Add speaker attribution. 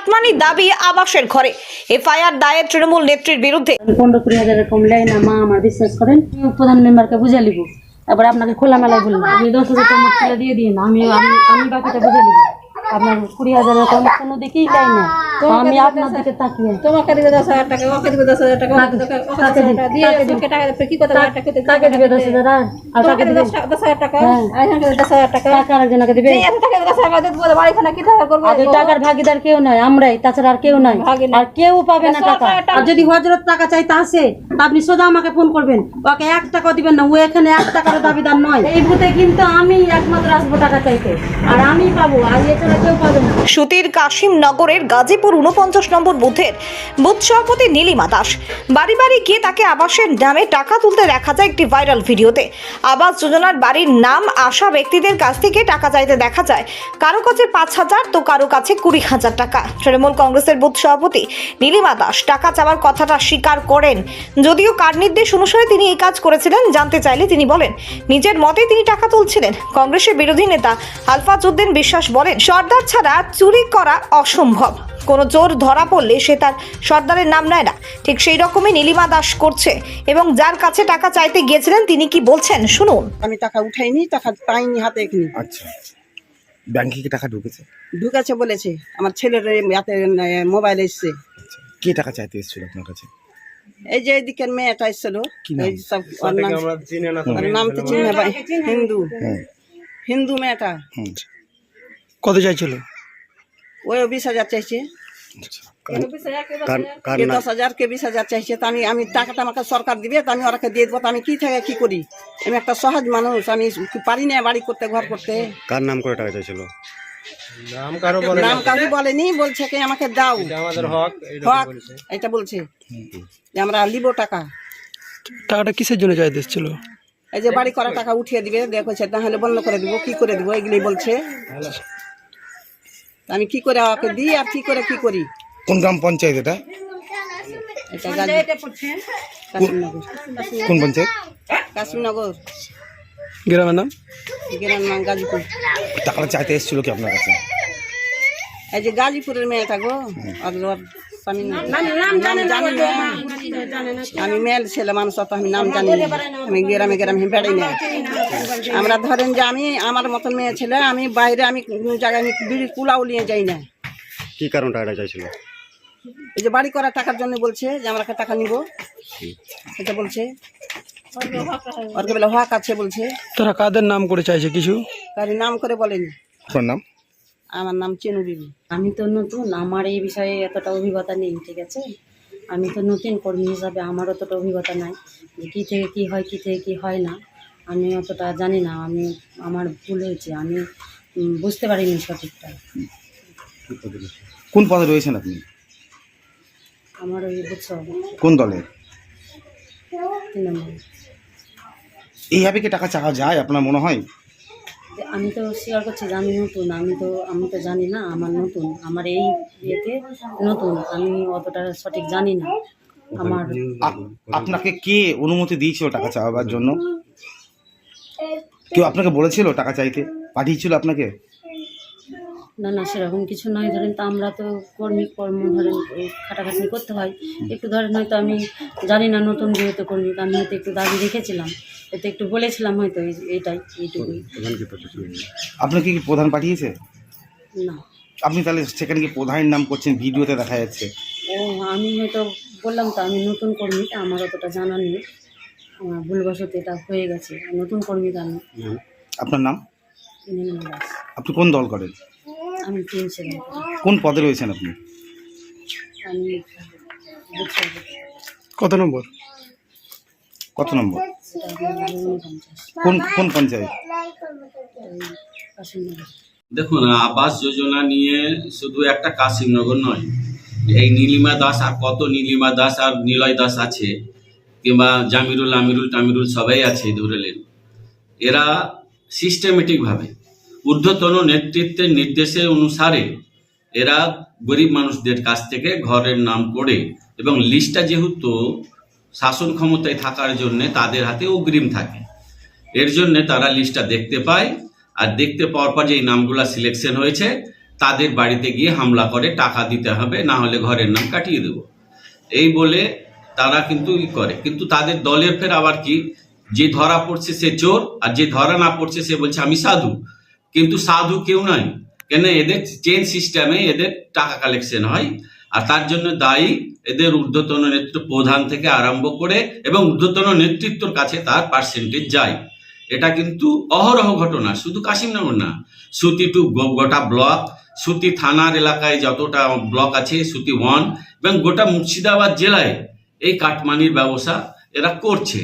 Speaker 1: Cut money দাবি আবাসের ঘরে। এফআইআর দায়ের তৃণমূল নেত্রীর বিরুদ্ধে।
Speaker 2: 15-20 কম লাই না মা, আমার বিশ্বাস করেন। প্রধান মেম্বারকে বুঝে লিব, এবার আপনাকে খোলামেলায় বললাম আপনি 10,000 টাকা মোট তুলে দিয়ে দিন, আমি বাকিটা বুঝে লিব। আপনার 20,000 কম কোনো দিকেই লাই না, তো আমি আপনার দিকে তাকিয়ে
Speaker 3: তোমাকে দিবে 10,000 টাকা, ওকে দিবে 10,000 টাকা, ওকে দিবে 10,000 টাকা দিয়ে ওকে টাকা দেবে। কি কথা টাকা দিবে?
Speaker 2: কাকে দিবে 10,000? আর কাকে দিবে
Speaker 3: 10,000 টাকা? আর এখানে 10,000 টাকা।
Speaker 2: টাকা আরেকজনকে দিবে।
Speaker 3: এই এত টাকা 10,000 টাকা দিয়ে বলে বাড়িখানা কি টাকা করবে?
Speaker 2: আগে টাকার ভাগিদার কেউ নয়, আমরাই, তাছাড়া আর কেউ নয়, আর কেউ পাবে না টাকা। আর যদি হযরত টাকা চাইতে আসে আপনি সোজা আমাকে ফোন করবেন, ওকে 1 টাকা দিবেন না, ও এখানে 1 টাকার দাবিদার নয়। এই বুথে কিন্তু আমি একমাত্র আসবো টাকা চাইতে, আর আমি পাবো, আর এছাড়া কেউ পাবে না।
Speaker 1: সুতির কাশিমনগরের গাজীপুর 49 নম্বর বুথের বুথ সভাপতি নীলিমা দাস বাড়ি বাড়ি গিয়ে তাকে আবাসের নামে টাকা তুলতে দেখা যায় একটি ভাইরাল ভিডিওতে। আবাস যোজনার বাড়ির নাম আসা ব্যক্তিদের কাছ থেকে টাকা চাইতে দেখা যায় কারো কাছে 5,000 তো কারো কাছে 20,000 টাকা। তৃণমূল কংগ্রেসের বুথ সভাপতি নীলিমা দাস টাকা চাওয়ার কথাটা স্বীকার করেন, যদিও কার নির্দেশ অনুসারে তিনি এই কাজ করেছিলেন জানতে চাইলে তিনি বলেন নিজের মতে তিনি টাকা তুলছিলেন। কংগ্রেসের বিরোধী নেতা আলফাজউদ্দিন বিশ্বাস বলেন সর্দার ছাড়া চুরি করা অসম্ভব, কোনো চোর ধরা পড়লে সে তার সর্দারের নাম নেয় না। ঠিক সেই রকমই নীলিমা দাস করছে এবং যার কাছে টাকা চাইতে গিয়েছিলেন তিনি কি বলছেন শুনুন।
Speaker 4: আমি টাকা উঠাইনি, টাকা পাইনি হাতে এখানে।
Speaker 5: আচ্ছা, ব্যাংকে কি টাকা ঢুকেছে?
Speaker 4: ঢুকেছে বলেছে, আমার ছেলের হাতে মোবাইল এসছে।
Speaker 5: আচ্ছা, কে টাকা চাইতে এসেছিল আপনার কাছে?
Speaker 4: এই যে এদিকের মেয়েটা এসছিল,
Speaker 5: কি নাম?
Speaker 4: এই সব ওর নাম তো চিনে ভাই, হিন্দু মেয়েটা।
Speaker 5: কত চাইছিল?
Speaker 4: ওই 20,000 চাইছে, কে 10,000 কে 20,000 চাইছে। তা আমি টাকাটা আমাকে সরকার দিবে, তা আমি ওরাকে দিয়ে দেবো। তা আমি কি থেকে কি করি? আমি একটা সহজ মানুষ, আমি পারি না বাড়ি করতে, ঘর করতে।
Speaker 5: কার নাম করে টাকা চাইছিল?
Speaker 4: নাম কাউকে বলেনি, বলছে কি আমাকে দাও, হক এটা বলছে যে আমরা লিব টাকা।
Speaker 6: টাকাটা কিসের জন্য চাইতে এসেছিল?
Speaker 4: এই যে বাড়ি করা টাকা উঠিয়ে দিবে, দেখছে তাহলে বন্ধ করে দিব, কি করে দিব, এগুলোই বলছে। আমি কি করে ওকে দিই আর কি করে কি করি?
Speaker 5: কোন গ্রাম পঞ্চায়েত এটা?
Speaker 4: এটা
Speaker 5: কোন পঞ্চায়েত?
Speaker 4: কাশিমনগর,
Speaker 6: গ্রামের নাম?
Speaker 4: গ্রামের নাম গাজীপুর।
Speaker 5: টাকাটা চাইতে এসেছিল কি আপনার কাছে?
Speaker 4: এই যে গাজীপুরের মেয়েটা গো, আর ওর স্বামীর নাম জানি না। আমি মেল ছেলে মানুষ, অত আমি নাম জানি না। আমি গ্রামে বেড়াই না। আমরা ধরেন যে আমি আমার মতন মেয়ে ছেলে, আমি বাইরে আমি কোনো জায়গায় আমি বিড়ির কুলাও নিয়ে যাই না।
Speaker 5: কি কারণ টাকাটা চাইছিল?
Speaker 4: এই যে বাড়ি করার টাকার জন্য বলছে যে আমরা টাকা নিব, এটা বলছে। ওরকে বলে হক আছে বলছে।
Speaker 6: তারা কাদের নাম করে চাইছে কিছু?
Speaker 4: কারি নাম করে বলেনি।
Speaker 5: আপনার নাম?
Speaker 4: আমার নাম চেনু বিবি।
Speaker 2: আমি তো নতুন, আমার এই বিষয়ে এতটা অভিজ্ঞতা নেই, ঠিক আছে? আমি তো নতুন কর্মী হিসাবে আমার অতটা অভিজ্ঞতা নাই যে কী থেকে কী হয়, কী থেকে কী হয় না, আমি অতটা জানি না। আমার ভুল হয়েছে, আমি বুঝতে পারিনি সঠিকটা।
Speaker 5: কোন পদে রয়েছেন আপনি?
Speaker 2: আমার ওই বুঝছো
Speaker 5: কোন দলের?
Speaker 2: তৃণমূল।
Speaker 5: এইভাবে কি টাকা চাওয়া যায় আপনার মনে হয়?
Speaker 2: যে আমি তো স্বীকার করছি যে আমি নতুন, আমি তো জানি না, আমার নতুন, আমার এই ইয়েতে নতুন, আমি অতটা সঠিক জানি না। আমার
Speaker 5: আপনাকে কে অনুমতি দিয়েছিল টাকা চাওয়ার জন্য? কেউ আপনাকে বলেছিল টাকা চাইতে, পাঠিয়েছিল আপনাকে?
Speaker 2: না সেরকম কিছু নয়। ধরেন তো আমরা তো কর্ম ধরেন এই খাটাখাটনি করতে হয় একটু, ধরেন হয়তো আমি জানি না, নতুন যেহেতু কর্মী, আমি হয়তো একটু দাবি রেখেছিলাম, এতে একটু বলেছিলাম হয়তো, এইটুকুই।
Speaker 5: আপনাকে কি প্রধান পাঠিয়েছে?
Speaker 2: না।
Speaker 5: আপনি তাহলে সেখানে কি প্রধানের নাম করছেন, ভিডিওতে দেখা যাচ্ছে।
Speaker 2: ও আমি হয়তো বললাম তো আমি নতুন কর্মী, আমার অতটা জানা নেই, আমার ভুলবশত এটা হয়ে গেছে। নতুন কর্মী আমি।
Speaker 5: আপনার নাম?
Speaker 2: নীলিমা দাস।
Speaker 5: আপনি কোন দল করেন?
Speaker 2: আমি 3 সেকেন্ড।
Speaker 5: কোন পদে রয়েছেন আপনি?
Speaker 2: আমি
Speaker 6: কত নম্বর?
Speaker 5: কত নম্বর? কোন পঞ্চায়েত?
Speaker 7: দেখুন, আবাস যোজনা নিয়ে শুধু একটা কাশিমনগর নয়, এই নীলিমা দাস আর কত নীলিমা দাস আর নিলয় দাস আছে, কিংবা জামিরুল টামিরুল সবাই আছে ধরেলেন। এরা সিস্টেমেটিকভাবে ঊর্ধ্বতন নেতৃত্বের নির্দেশে অনুসারে এরা গরিব মানুষদের কাছ থেকে ঘরের নাম করে, এবং লিস্টটা যেহেতু শাসন ক্ষমতায় থাকার জন্যে তাদের হাতে অগ্রিম থাকে, এর জন্যে তারা লিস্টটা দেখতে পায়, আর দেখতে পাওয়ার পর যে এই নামগুলা সিলেকশন হয়েছে তাদের বাড়িতে গিয়ে হামলা করে, টাকা দিতে হবে, না হলে ঘরের নাম কাটিয়ে দেব, এই বলে তারা কিন্তু করে। কিন্তু তাদের দলের ফের আবার কি, যে ধরা পড়ছে সে চোর, আর যে ধরা না পড়ছে সে বলছে আমি সাধু। কিন্তু সাধু কেউ নয়, কেন এদের চেন সিস্টেমে এদের টাকা কালেকশন হয়, আর তার জন্য দায়ী এদের ঊর্ধ্বতন নেতৃত্ব, প্রধান থেকে আরম্ভ করে এবং ঊর্ধ্বতন নেতৃত্বর কাছে তার পার্সেন্টেজ যায়। এটা কিন্তু অহরহ ঘটনা, শুধু কাশিমনগর না, সুতি টু গোটা ব্লক, সুতি থানার এলাকায় যতটা ব্লক আছে, সুতি 1 এবং গোটা মুর্শিদাবাদ জেলায় এই কাটমানির ব্যবসা এরা করছে।